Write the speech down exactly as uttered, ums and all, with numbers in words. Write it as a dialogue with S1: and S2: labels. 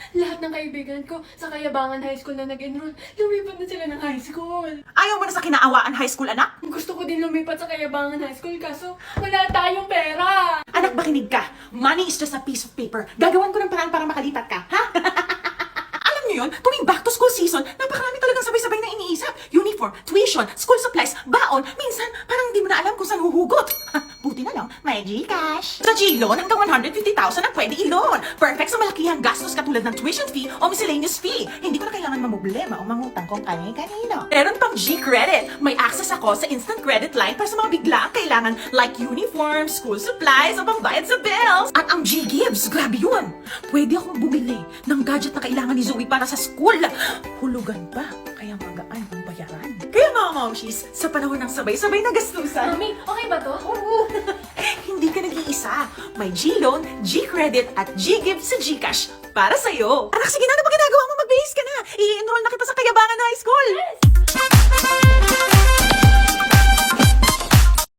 S1: lahat ng kaibigan ko sa Kayabangan High School na nag-enroll, lumipat na sila ng high school.
S2: Ayaw mo na sa Kinaawaan High School, anak?
S1: Gusto ko din lumipat sa Kayabangan High School kaso wala tayong pera.
S2: Anak, makinig ka. Money is just a piece of paper. Gagawan ko ng paraan para makalipat ka, ha? Alam niyo yun, tuwing back to school season, napakarami talagang sabay-sabay na iniisip. Uniform, tuition, school supplies, baon. Minsan, parang hindi mo na alam kung saan huhugot. Buti na lang, may Gcash. Sa G-Loan, hanggang one hundred fifty thousand ang pwede i-loan. Perfect sa malakihang gastos katulad ng tuition fee o miscellaneous fee. Hindi ko na kailangan mamblema o mangutang kung kani-kanino. Meron pang G-Credit. May access ako sa instant credit line para sa mga biglaang kailangan like uniform, school supplies o pambayad sa bills. At ang G-Gives, grabe yun. Pwede akong bumili ng gadget na kailangan ni Zoe para sa school. Hulugan pa, kaya magaan ang bayaran. Kaya mga momshies, sa panahon ng sabay-sabay na gastusan,
S1: Mami, okay ba to?
S2: oo, hindi ka nag-iisa. May G-Loan, G-Credit at G-Gift sa Gcash para sa'yo. Anak, sige na, ano ba ginagawa mo?